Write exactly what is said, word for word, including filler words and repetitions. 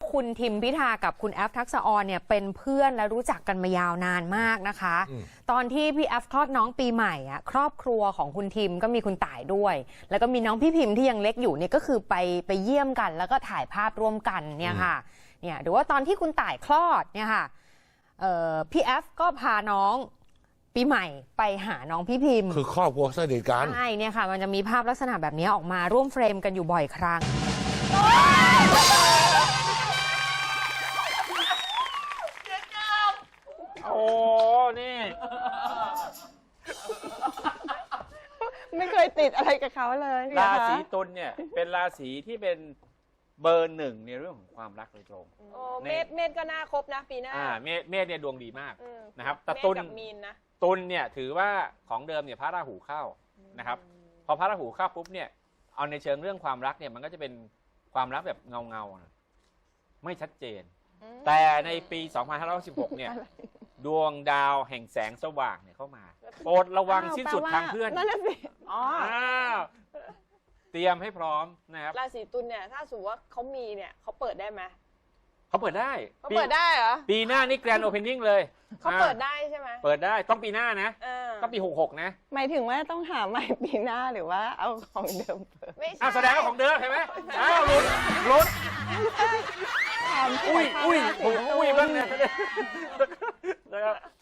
คุณทิมพิธากับคุณแอฟทักษะออนเนี่ยเป็นเพื่อนและรู้จักกันมายาวนานมากนะคะตอนที่พี่แอฟคลอดน้องปีใหม่อ่ะครอบครัวของคุณทิมก็มีคุณต่ายด้วยแล้วก็มีน้องพี่พิมพ์ที่ยังเล็กอยู่เนี่ยก็คือไปไปเยี่ยมกันแล้วก็ถ่ายภาพร่วมกันเนี่ยค่ะเนี่ยหรือว่าตอนที่คุณต่ายคลอดเนี่ยค่ะพี่แอฟก็พาน้องปีใหม่ไปหาน้องพี่พิมพ์คือครอบครัวสนิทกันใช่เนี่ยค่ะมันจะมีภาพลักษณะแบบนี้ออกมาร่วมเฟรมกันอยู่บ่อยครั้งโอ้นี่ไม่เคยติดอะไรกับเขาเลยราศีตุลเนี่ยเป็นราศีที่เป็นเบอร์หนึ่งในเรื่องของความรักโดยตรงโอ้เมษเมษก็น่าคบนะปีหน้าอ่าเมษเมษเนี่ยดวงดีมากนะครับแต่ตุลกับมีนนะตุลเนี่ยถือว่าของเดิมเนี่ยพระราหูเข้านะครับพอพระราหูเข้าปุ๊บเนี่ยเอาในเชิงเรื่องความรักเนี่ยมันก็จะเป็นความรักแบบเงาเงาไม่ชัดเจนแต่ในปีสองพันห้าร้อยสิบหกเนี่ยดวงดาวแห่งแสงสว่างเนี่ยเข้ามาโปรดระวังสิ้นสุดทางเพื่อนนั่นแหละสิอ๋อเตรียมให้พร้อมนะครับราศีตุลเนี่ยถ้าสมมติว่าเขามีเนี่ยเขาเปิดได้ไหมเขาเปิดได้เขาเปิดได้เหรอปีหน้านี่แกรนด์โอเพนนิ่งเลยเขาเปิดได้ใช่ไหมเปิดได้ต้องปีหน้านะต้องปีหกหกนะหมายถึงว่าต้องหาใหม่ปีหน้าหรือว่าเอาของเดิมเปิดไม่ใช่แสดงว่าของเดิมใช่ไหมอ้าวหลุดหลุดอุ้ยอุ้ยอุ้ยบ้างนะนะครับ